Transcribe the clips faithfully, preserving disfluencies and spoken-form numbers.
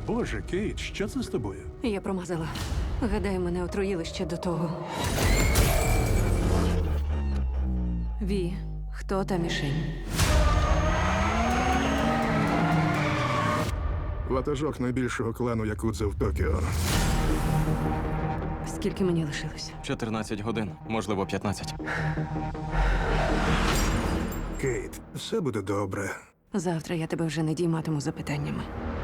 Боже, Кейт, що це з тобою? Я промазала. Гадаю, мене отруїли ще до того. Ві, хто та мішень? Ватажок найбільшого клану Якудза в Токіо. Скільки мені лишилось? чотирнадцять годин, можливо, п'ятнадцять. Кейт, все буде добре. Завтра я тебе вже не дійматиму запитаннями.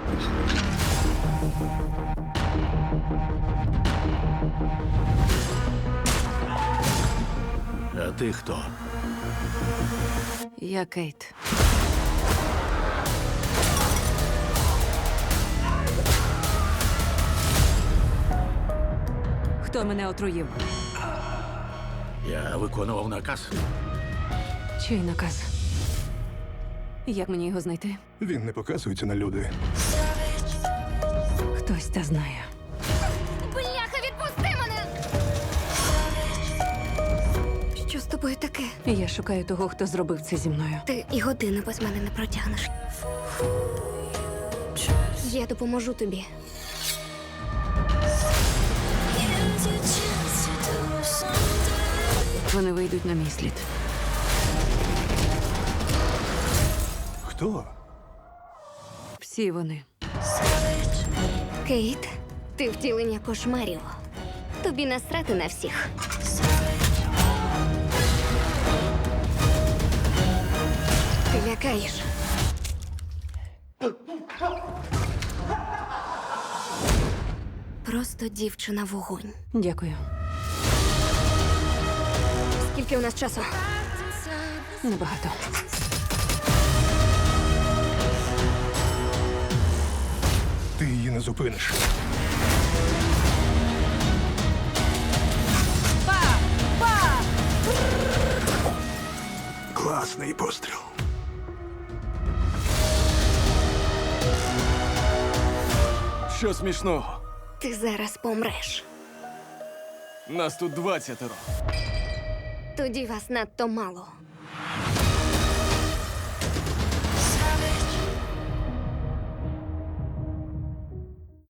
А ти хто? Я Кейт. Хто мене отруїв? Я виконував наказ. Чий наказ? Як мені його знайти? Він не показується на люди. Хтось та знає. Бляха, відпусти мене! Що з тобою таке? Я шукаю того, хто зробив це зі мною. Ти і години без мене не протягнеш. Я допоможу тобі. Вони вийдуть на мій слід. Хто? Всі вони. Кейт, ти втілення кошмарів. Тобі насрати на всіх. Ти лякаєш. Просто дівчина вогонь. Дякую. Скільки у нас часу? Небагато. Ти її не зупиниш. Класний постріл. Що смішного? Ти зараз помреш. Нас тут двадцятеро. Тоді вас надто мало.